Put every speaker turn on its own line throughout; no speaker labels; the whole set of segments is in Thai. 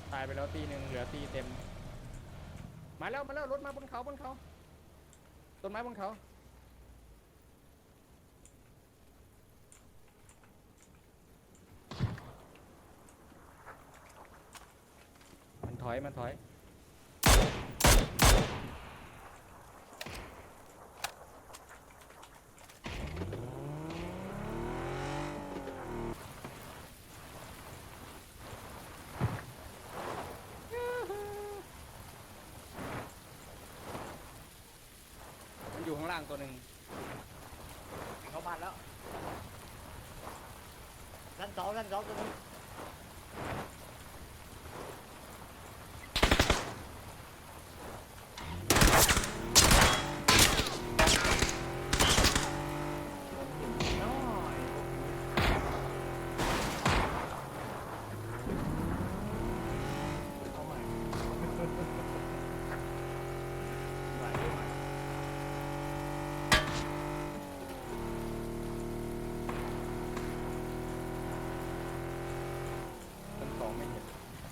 ตายไปแล้วตีหนึ่งเหลือตีเต็มมาแล้วรถมาบนเขาต้นไม้บนเขามันถอยมันอยู่ข้างล่างตัวหนึ่ง
เข้าบ้านแล้วชั้นสองตัวนี้
ชั้นสองไม่เห็น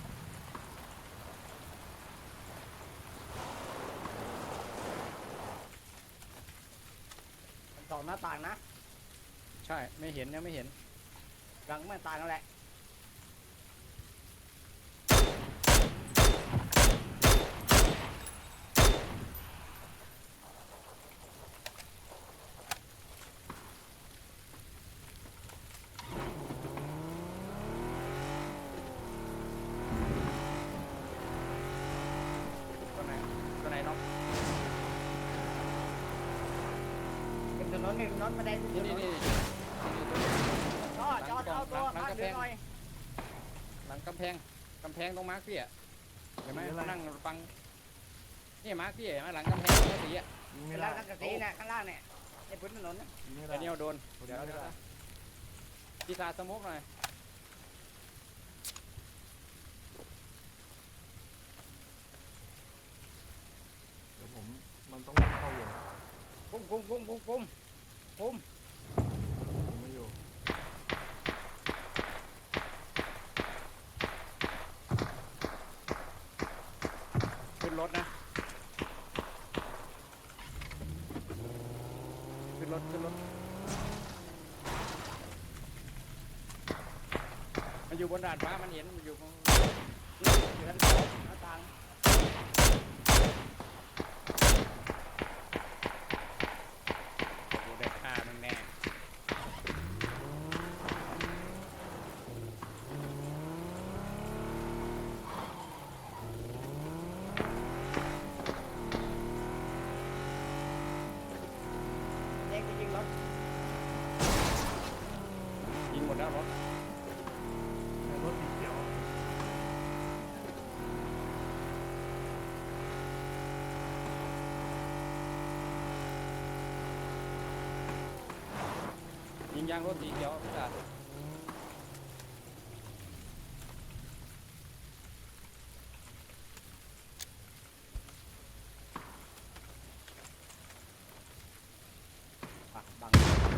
ชั้นสองหน้าต่างนะ
ใช่ไม่เห็นยังไม่เห็น
หลังไม่ต่างกันแหละ
ตัวไหนน้อง
เป็นถนนบันไดถนนจอดเอาตัวพักเดี๋ยวหน่อย
หลังกำแพงตรงมาร์คพี่อะเห็นไหมนั่งฟังนี่มาร์คพี่เห็นไหมหลังกำแพงแค่สีอะ
เป็นล่างนักกระสีน่ะข้างล่างเนี่ยในพื้นถนนนะ
ไอเนียวโดนเดี๋ยวพี่ซาสมุกหน่อย
เดี๋ยวผมมันต้องเข้าอยู่
คุม
ผมไม่อยู่
ขึ้นรถนะขึ้นรถมันอยู่บนดาดฟ้ามันเห็นมันอยู่
ชั้นสองหน้าต่าง
ดูได้ฆ่ามันแน่
เด็กยิงรถ
ยิงหมดแล้วรถ
ในรถสีเขียว
ยิงยางรถสีเขียวพี่ซา
บัง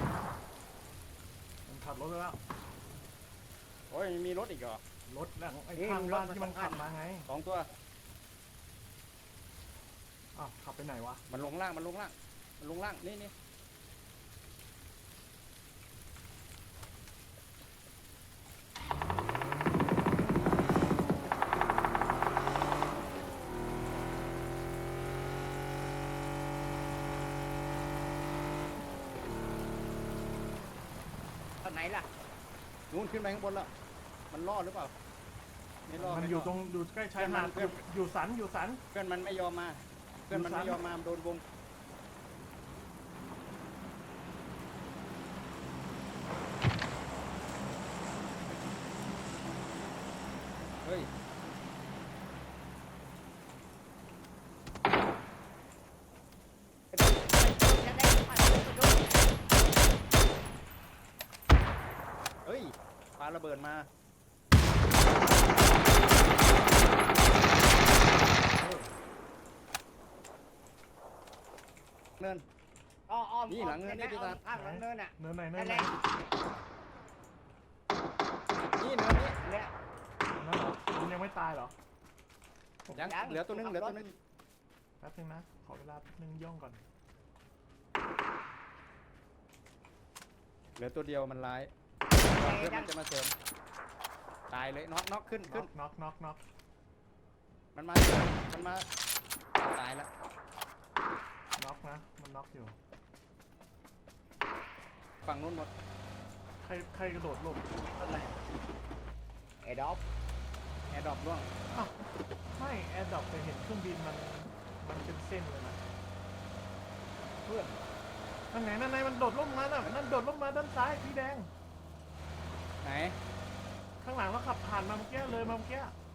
มันขับรถไปแล้ว
โอ้ยมีรถอีกเหรอ
รถแล้วไอ้ข้างบ้านที่มันขับมาไง
สองตัว
อ้าวขับไปไหนวะ
มันลงล่างนี่
ตอนไหนล่ะ
นู่นขึ้นไปข้างบนแล้วมันรอดหรือเปล่าไม่รอด
มัน
ไม่
อ
ร
ยู่
อด
ตรงอยู่ใกล้ชายหาด
เพื่อน
อยู่สัน
เพื่อนมันไม่ยอมมาโดนวงเฮ้ยปาระเบิดมาเนิน
อ้อม
นี่หลังเนินนี่พี่ตา
ข้างหลังเนินอ่ะ
เนินไหน
นั่นแหละ
นี่เนินนี้
เนี่ย
นั่นเหรอมันยังไม่ตายเหรอ
ยังเหลือตัวนึงเหลือตัวนึง
แป๊บนึงนะขอเวลาแป๊บนึงย่องก่อน
เหลือตัวเดียวมันร้ายเพื่อนมันจะมาเสริมตายเลยน็อกขึ้น
น็อก
มันมาตายแล้ว
น็อกนะมันน็อกอยู่
ฝั่งนู้นหมด
ใครกระโดดหลบ
อะไรไอ้ด็อก
แอร์ดรอปร่วง
อ้าวไม่แอร์ดรอปไปเห็นเครื่องบินมันเป็นเส้นเลยนะ
เพื่อน
นั่นไงมันโดดล่มมาน่ะนั่นโดดล่มมาด้านซ้ายสีแดง
ไหน
ข้างหลังเราขับผ่านมาเมื่อกี้เลยมาเมื่อกี้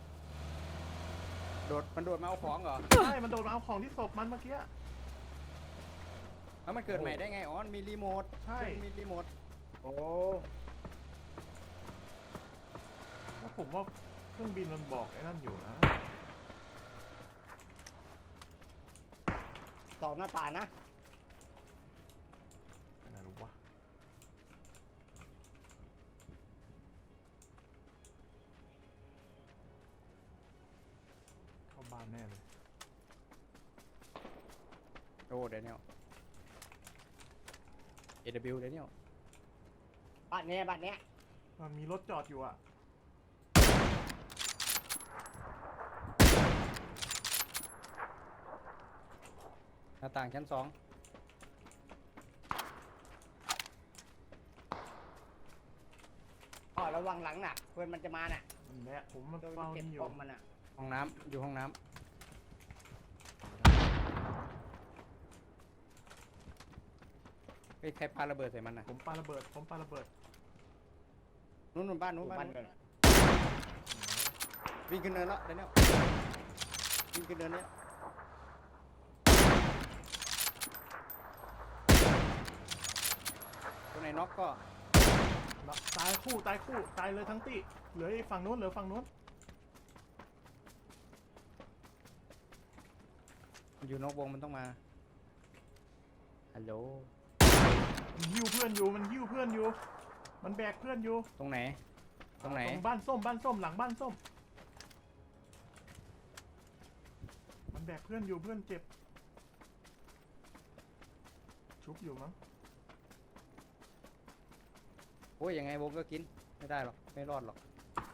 มันโดดมาเอาของเหรอ
ใช่มันโดดมาเอาของที่ศพมันเมื่อกี้
แล้วมันเกิดใหม่ได้ไงอ๋อมีรีโมท
ใช่
มีรีโมท
โอ้
แล้วผมว่าเครื่องบินมันบอกไอ้นั่นอยู่นะ
สองหน้าต่างนะ
อะไรรู้วะเข้าบ้านแน่เลย
โอ้เดนิเอล AW เดนิเอล
บ้านเนี้ย
มันมีรถจอดอยู่อ่ะ
หน้าต่างชั้น 2
ระวังหลังน่ะเพื่อนมันจะมาน่ะ
นั่นแหละผมมัน
โดน
เฝ้า
เก็บ
นี่อ
ข
ยู่
องมันน่ะ
ห้องน้ำอยู่ห้องน้ำเฮ้ยใครปาระเบิดใส่มันน่ะ
ผมปาระเบิด
นู้นบ้านนู้นบ้าน
บ้าน
นู้น
เกิน
วิ่งขึ้นเนินแล้วเดนิเอลวิ่งขึ้นเนินเนี้ยตัวไหนน็อกก็
ตายคู่ตายเลยทั้งตีเหลืออีกฝั่งนู้น
มันอยู่นอกวงมันต้องมาฮัลโหล
มันหิ้วเพื่อนอยู่มันแบกเพื่อนอยู่
ตรงไหน
ตรงบ้านส้มหลังบ้านส้มมันแบกเพื่อนอยู่เพื่อนเจ็บชุบอยู่มั้ง
โอ้ยยังไงวงก็กินไม่ได้หรอกไม่รอดหรอก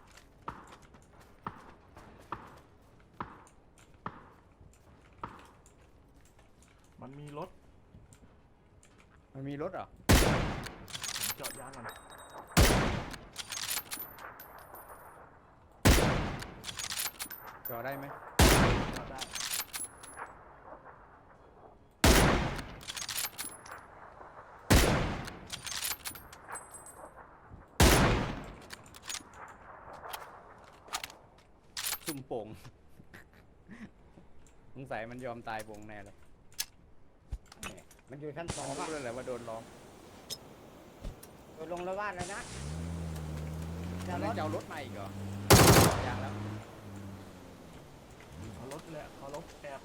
มันมีรถ
มันมีรถเหรอ
ผมจอดยางก่อน
จอดได้ไหม
จอดได้
ซุ่มโป่ง สงสัยมันยอมตายโป่งแน่เลย
มันอยู่ชั้น 2
ผมรู้
อ่ะ
เลยแหละว่าโดนล้อม
โดนลงแล้วบ้านแล้วนะ
มัน
รถ
จะเอารถมาอีกเหรอยังแล้ว
เอารถแหละเอารถแอบ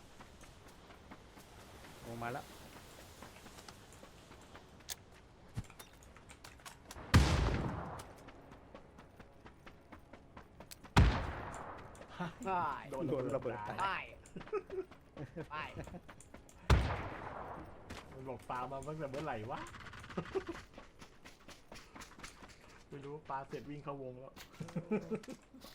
ลงมาแล้ว
ใช่
โดนระเบิดตาย
ใช่ใช่
มันบอกปลามาตั้งแต่เมื่อไหร่วะ ไม่รู้ปลาเสร็จวิ่งเข้าวงแล้ว